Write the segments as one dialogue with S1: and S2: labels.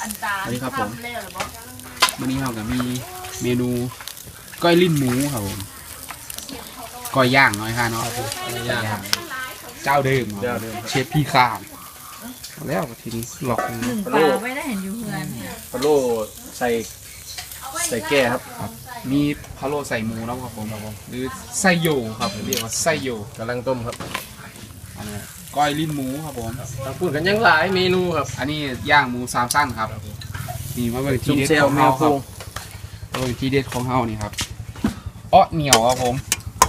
S1: สวัสดีครับผมวันนี้เรากับมีเมนูก้อยลิ้นหมูครับผมก้อยย่างน้อยค่ะเนาะย่างเจ้าเดิมเชฟพี่ข้ามแล้วทีนี้หลอก
S2: หนึ่งปลาไม่ได้เห็นอยู่เพื่อน
S3: พะโล้ใส่แก่ครับ
S1: มีพะโล้ใส่หมูนะครับผมหรือไส้โยครับเรียกว่าไส้โย
S3: กำลังต้มครับ
S1: ก้อยลิ้นหมูครับผม
S3: พูดกันยังหลายเมนูครับ
S1: อันนี้ย่างหมู3 สั้นครับนี่มาเป็นทีเด็ดของเฮาครับเป็นทีเด็ดของเฮานี่ครับอ้อเหนียวครับผม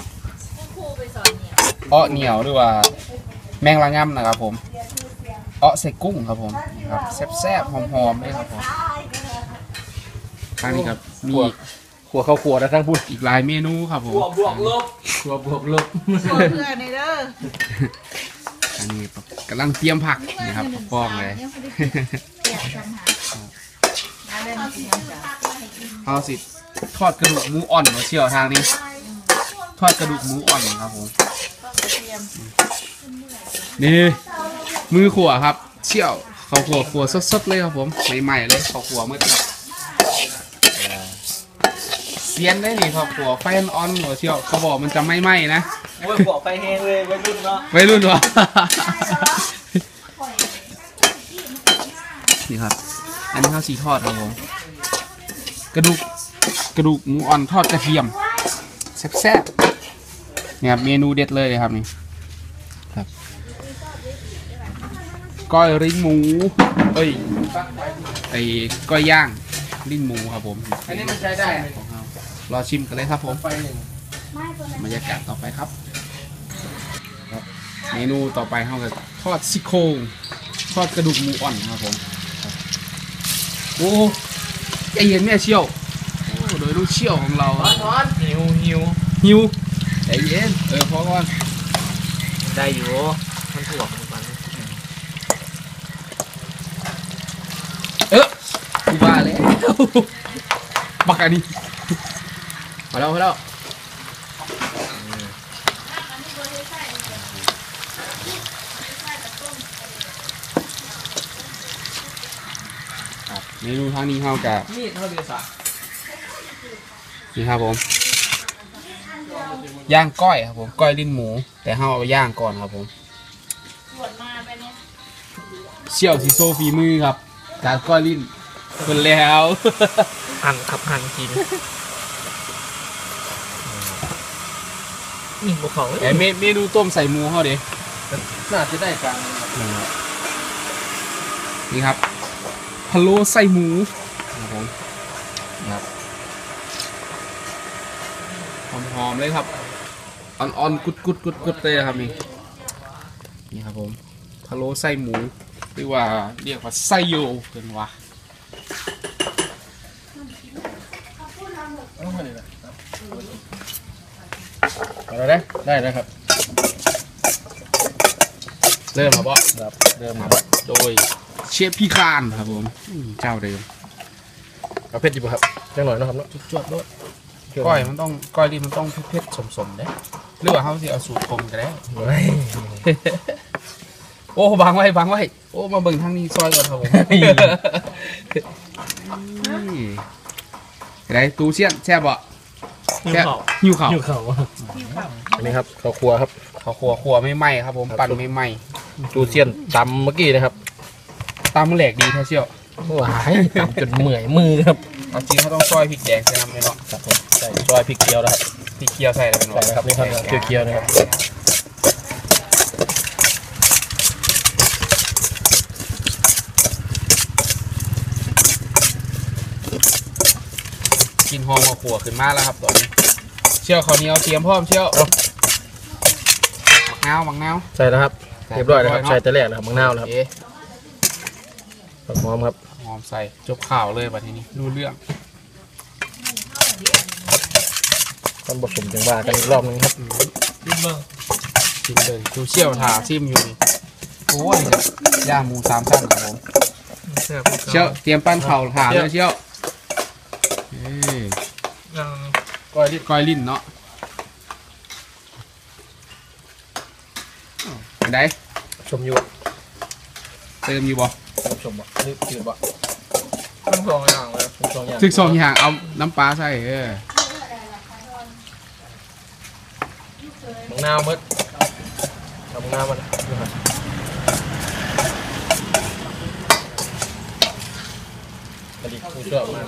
S1: อ้อเหนียวหรือว่าแมงละง่ำนะครับผมอ้อใส่กุ้งครับผมครับแซ่บๆหอมๆเลยครับผมทางนี้ครับมี
S3: ขัวข้าวขัวนะทั้งพูด
S1: อีกหลายเมนูครับผม
S3: ขัวบวกลบขัวบวกลบ
S2: ขัวเพื่อนในเด้อ
S1: อันนี้กำลังเตรียมผักนี่ครับป้องเลยเอาสิทอดกระดูกหมูอ่อนมาเชี่ยวทางนี้ทอดกระดูกหมูอ่อนครับผมนี่มือขัวครับเชี่ยวเขาขัวสดๆเลยครับผมใหม่ๆเลยเขาขัวเมื่อกี้เซียนได้นี่ครับขัวไฟอ่อนหัวเชี่ยวเขาบอกมันจะไม่ไหม้นะ
S3: โอ้ยขัวไฟแห้งเลยวัยรุ่นเนาะ
S1: วัยรุ่นวะนี่ครับอันนี้ข้าวสีทอดครับผมกระดูกหมูอ่อนทอดกระเทียมแซ่บๆเนี่ยเมนูเด็ดเลยครับนี่ครับก้อยลิ้นหมูไอ้ก้อยย่างลิ้นหมูครับผม
S3: อันนี้มันใช้ได้
S1: ของเรารอชิมกันเลยครับผมบรรยากาศต่อไปครับเมนูต่อไปเราจะทอดซี่โครงทอดกระดูกหมูอ่อนครับผมโอ้ใจเย็นแม่เชี่ยวโดยลูกเชี่ยวของเราหิวใจเย็นพอก่อน
S3: ได้อยู่มันถ่วงมัน
S1: กูบ้าเลยบักอันนี้พอแล้วเมนูทางนี้เข้ากับนี่ครับผมย่างก้อยครับผมก้อยลิ้นหมูแต่เข้าเอาย่างก่อนครับผมเชี่ยวซีโซฟีมือครับการก้อยลิ้นคนแล้ว
S3: หั่นกินนี่บุกเขา
S1: เมนูต้มใส่หมูเขาดิ
S3: น่าจะได้กัน
S1: นี่ครับพะโล้ใส่หมูครับผมครับหอมๆเลยครับอ่อนๆกุดเลยครับนี่ครับผมพะโล้ใส่หมูหรือว่าเรียกว่าไส้โยเป็นวะ
S3: เอาได้นะครับ
S1: เริ่มครับ
S3: ครับเริ่มครับ
S1: โดยเชฟพี่คานครับผมเจ้าเดิม
S3: เอาเผ็ดอยู่ครับจังหน่อยนะครับเนาะ
S1: จวดด้วยก้อยลิ้นมันต้องเผ็ดๆสมๆเด้หรือว่าเขาสิเอาสูตรคมกันได้โอ้บังไว้โอ้มาเบิ่งทางนี้ซอยก่อนครับผมได้ตูเชี่ยนแช่บ่หิวข่าว
S3: อันนี้ครับข้าวคั่วครับ
S1: ข้าวคั่วไม่ไหม้ครับผมปั่นไม่ไหม้
S3: ตูเซียนตำเมื่อกี้นะครับ
S1: ตำแหลกดีแท้เชี่ยว
S3: หวายตำจนเหมื่อยมือครับ
S1: จริงเขาต้องซอยพริกแดงใส่น้ำเลยเนาะ
S3: ครับผมใส่ซอยพริกเคี่ยวนะครับ
S1: พริกเคี่ยวใส่เลยเนาะ
S3: ใส่ครับนี่ครับเคี่ยวนะครับ
S1: กินหอมขั่วขึ้นมาแล้วครับตอนนี้เชี่ยวข้าวเหนียวเตรียมพร้อมเชี่ยวมังนาว
S3: ใส่แล้วครับเรียบร้อยแล้วครับใส่แต่แรกนะครับมังนาวแล้วครับหอมครับ
S1: หอมใส่จบข่าวเลยแบบนี้รู้เรื่อง
S3: ต้องผสมจังหวะกันอีกรอบนึงครับ
S1: ชิมเลยดูเชี่ยวทาชิมอยู่นี่โอ้ยย่างหมู3 ชั้นครับผมเชี่ยวเตรียมปั้นเข่าถาเลยเชี่ยวก้อยลิ้นเนาะไหน
S3: ชมอยู่
S1: เติมอยู่บ่
S3: ชมบ่นี่จืดบ่ทั้งสองอย่างเลยทั้งสองอย่าง
S1: ถึก2อย่างเอาน้ำปลาใส่
S3: มะนาวมืดทำมะนาวมันกระดิกผู้ชอบมาก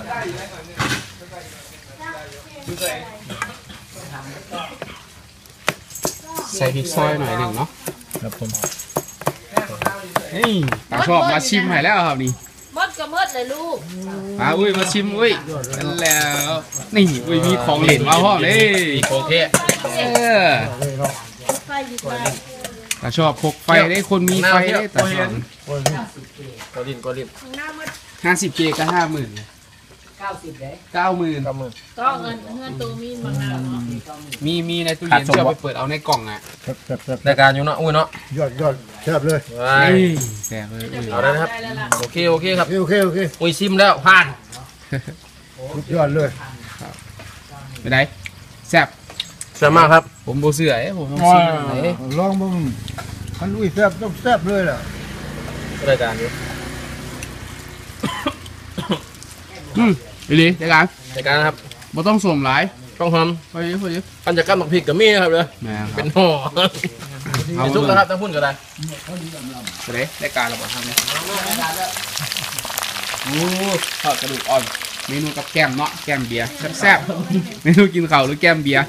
S1: ใส่พริกซอยหน่อยหนึ่งเนาะ
S3: ครับผม
S1: นี่ตาชอบมาชิมให้แล้วครับนี่
S2: มดก็มดเลยลูก
S1: อุ้ยมาชิมอุ้ยนั่นแล้วนี่อุ้ยมีของเล่นมาพ่อเลย
S3: มีโคเทะ
S2: ไฟดีกว่า
S1: ตาชอบพกไฟได้คนมีไฟได้ตาชอบ
S3: กอลิน
S1: 50K ก็50,000 90ได้90,000
S3: กับมือ
S2: ก็เงินตัวมีมะนาวเนาะ
S1: มีในตู้เย็นเชื่อไปเปิดเอาในกล่องอ่ะ
S3: รายการอยู่เนาะอุ้ยเนาะ
S4: ยอดแซ่บเลย
S3: ว้าย
S1: แซ่บเลย
S3: เอาได้นะครับโอเคครับ
S4: โอเค
S3: อุ้ยซิมแล้วผ่าน
S4: ยอดเลย
S1: ไปไหนแซ่บ
S3: แซ่บมากครับ
S1: ผมโบเสือผมต้องชิมเลย
S4: ลองมึงมันอุ้ยแซ่บต้องแซ่บเลยล่ะ
S3: รายการอยู่
S1: ดีดีรายการ
S3: รายการนะครับ
S1: บ่ต้องสวมหลาย
S3: ต้องท
S1: พอดีพอดี
S3: ำปัญจกรรมหมักพริกกับมีนะครับเลย
S1: แม่ค
S3: เป็
S1: รับ
S3: นห่อ
S1: เอา
S3: เป็นซุปนะครับทั้งพุ่นก็ได้
S1: ไปไหนรายการเราบอกทำเนี่ยโอ้ทอดกระดูกอ่อนเมนูกับแก้มเนาะแก้มเบียร์แซ่บๆเมนูกินข้าวหรือแก้มเบียร์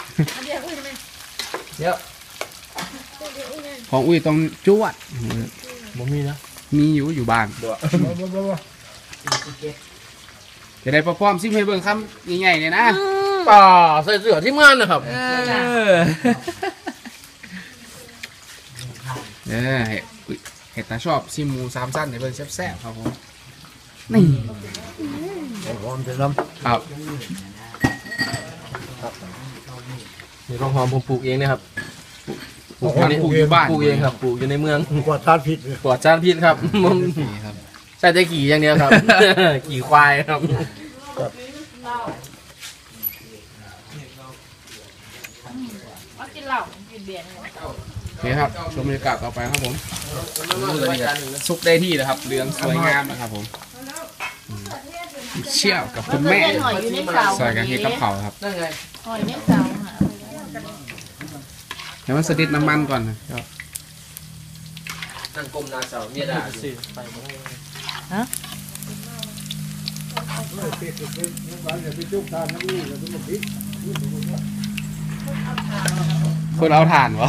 S3: เดี๋ยว
S1: ของอุ้ยต้องจวด
S3: บ่มีนะ
S1: มีอยู่บ้านจะได้ประพร้อมซิมให้เบิ่งคำใหญ่ๆเนี่ยนะ
S3: ป่าใส่เสื้อที่งานนะครับ
S1: เห็ดตาชอบซิมหมู3 สั้นให้เบิ่งแซ่บๆครับผมนี่
S4: หอมจะน้
S1: ครับ
S3: นี่ต้องหอมผมปลูกเองนะครับ
S1: ปลูกอยู่บ้าน
S3: ปลูกเองครับปลูกอยู่ในเมือง
S4: ำกว่าทานผิดเลย
S3: ปลอดสารพิษครับ
S1: นี่ครับ
S3: ใส่แต่ขี่อย่างเดียวครับ ขี่ควายครับ
S2: เอากินเหล้ากินเบียร์
S1: โอเคครับชมบรรยากาศต่อไปครับผมซุกได้ที่นะครับเหลืองสวยงามนะครับผมเชี่ยวกับคุณแม่
S2: หอยอยู่ในเสา
S1: ใส่กันเฮ็ดกับเขาวครับ
S3: นั่นไง
S2: หอยในเสาหา
S1: เดี๋ยวมันสะดิดน้ำมันก่อนนะครับ
S3: นั่งก้มนาเสาเมียด่าสิ
S1: คนเอาถ่านวะ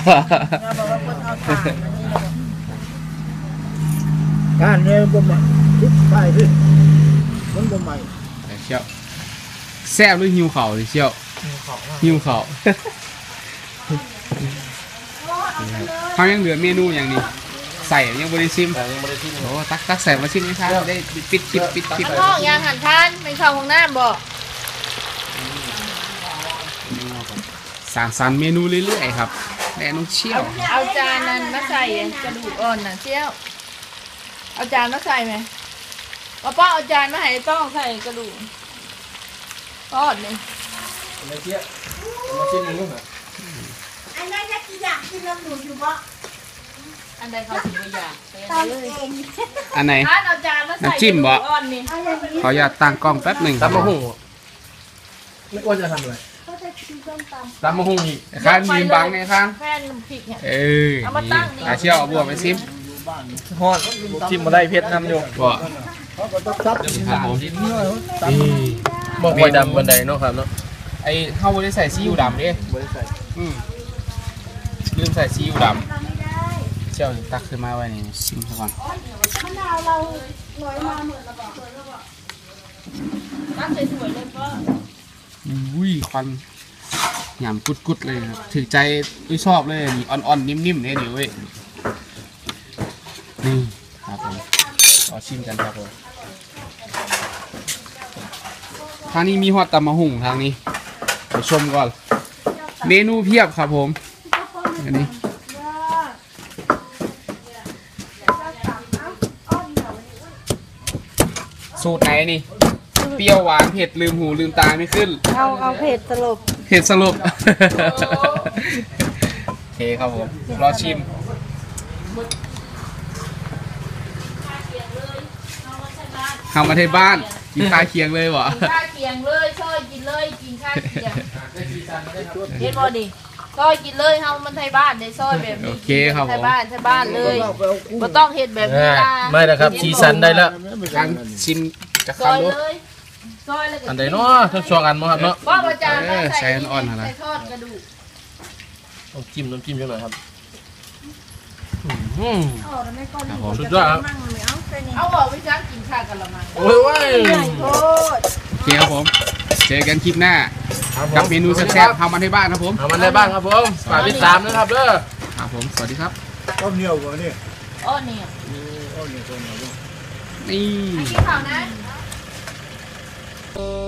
S4: การเนี่ยบ่มาทุกไปพี่มันบ่ใหม่
S1: เชี่ยวแซ่บหรือหิวเข่าดิเชี่ยวหิวเข่าเขายังเหลือเมนูอย่างนี้ใส่ยังบริซิม
S3: แต่ยังไม่ได้ที่นี่
S1: โอ้ตักใส่มาชิมไหมครับได้ปิดคลิป
S2: ห้องยางหันทานเป็นข้าวของน้ำบ่
S1: สร้างสรรค์เมนูเรื่อยๆครับแม่น้องเชี่ยว
S2: เอาจานนั้นมาใส่กระดูกอ่อนน่ะเชี่ยวเอาจานมาใส่ไหมป้าเอาจานมาให้ต้องใส่กระดูกทอดนี่
S3: ไม่เชี่ยมาชิมนึงเหรอ
S5: อันนั้นจะกินอยากกินลำหนูอยู่บ่
S2: อันใดเขาถึงไม่อยาก
S5: ตอนเอง
S1: อันไหน
S2: ทานเอาจานมาใส่
S1: น้ำจิ้มบ่
S2: กระดูกอ่อนนี่
S5: เอาอย่างนี้
S1: ขออนุญาตตั้งกล้องแป๊บหนึ่ง
S3: ตำมะฮุ่งไม่ว่าจะทำอะไร
S5: ก็จะกินส้มตำ
S3: ตำมะฮุ่งอีก
S1: ข้างยืนบังไงข้าง
S2: แค่น้ำพริกเนี่ย
S1: เอ้ย
S2: เอามาตั้งนี่
S1: อาเชี่ยวเอาบัวไปซิม
S3: ฮอดชิมมาได้เพชรน้ำอยู่
S1: บัว
S4: เขาก็ต้องซับ
S1: ครับผม
S3: บอกไว้ดำบันไดเนาะครับเนาะ
S1: ไอ้เข้าไม่ได้ใส่ซีอิ๊วดำดิ
S3: ไม่ได้ใส่
S1: ลืมใส่ซีอิ๊วด
S5: ไม่ได้
S1: ำเชี่ยวตักขึ้นมาไว้นี่ซิมซะก่อน
S5: มะนาวเราหน่อยมาเหมือนระบอก
S2: ตั้งสวยๆเลยป้า
S1: อุ้ยควันหยำกุดๆเลยครับถือใจอุ้ยชอบเลยนี่อ่อนๆนิ่มๆเนี่ยนี่เว้ยนี่ครับผมขอชิมกันครับผมทางนี้มีฮอตตำมะหุ่งทางนี้ไปชมก่อนเมนูเพียบครับผมอันนี้สูตรไหนนี่เปรี้ยวหวานเผ็ดลืมหูลืมตาไม่ขึ้น
S5: เอาเผ็ดสลบ
S1: เผ็ดสรุป โอเคครับผม รอชิม เข้ามาที่บ้านกินข้าวเคียงเลยวะ
S2: กินข้าวเคียงเลยซอยกินเลยกินข้าวเคียงเห็นบ่ดิซอยกินเลยเฮามันไทยบ้านได้ซอยแบบนี้
S1: โอเคครับผ
S2: ไทย
S1: ม
S2: บ้านเลยบ่ต้องเฮ็ดแบบนี้ล่ะ
S3: ไม่นะครับสีสันได้แล้ว
S1: การชิมจะ
S2: ซอย
S1: คำดู
S2: เลยซอยแล้วก็
S3: อันใดเนาะทั้งสองอันมั้งครับเนาะ
S2: ว่าอาจารย์ต้อง
S1: ใส่
S2: ใส่
S1: อ่อนๆนะ
S2: ใส่ทอดกระดูก
S3: น้ำจิ้มจังหน่อยครับ
S5: เอาแล้วไม่ก้อน
S1: ครับผม
S3: สุดยอดครับ
S5: มั่งไม่เอาใส่นี่
S2: เอาออกไปซักกินข้าวกันละมั้ง
S3: โอ้ยว้าย
S5: ใหญ่โคตร
S1: โอเคครับผม เจอกันคลิปหน้า
S3: ครับผ
S1: กับเมนูแซ่บๆทำมันให้บ้านครับผม
S3: เอามันได้บ้างครับผมฝากติดตามนะครับเด้อ
S1: ครับผม สวัสดีครับ
S4: ข้าวเหนียวกว่านี่
S2: อ้อเนี่ย
S4: ข้าวเหนียว
S1: นี่
S2: กินข้าวนะ
S1: ค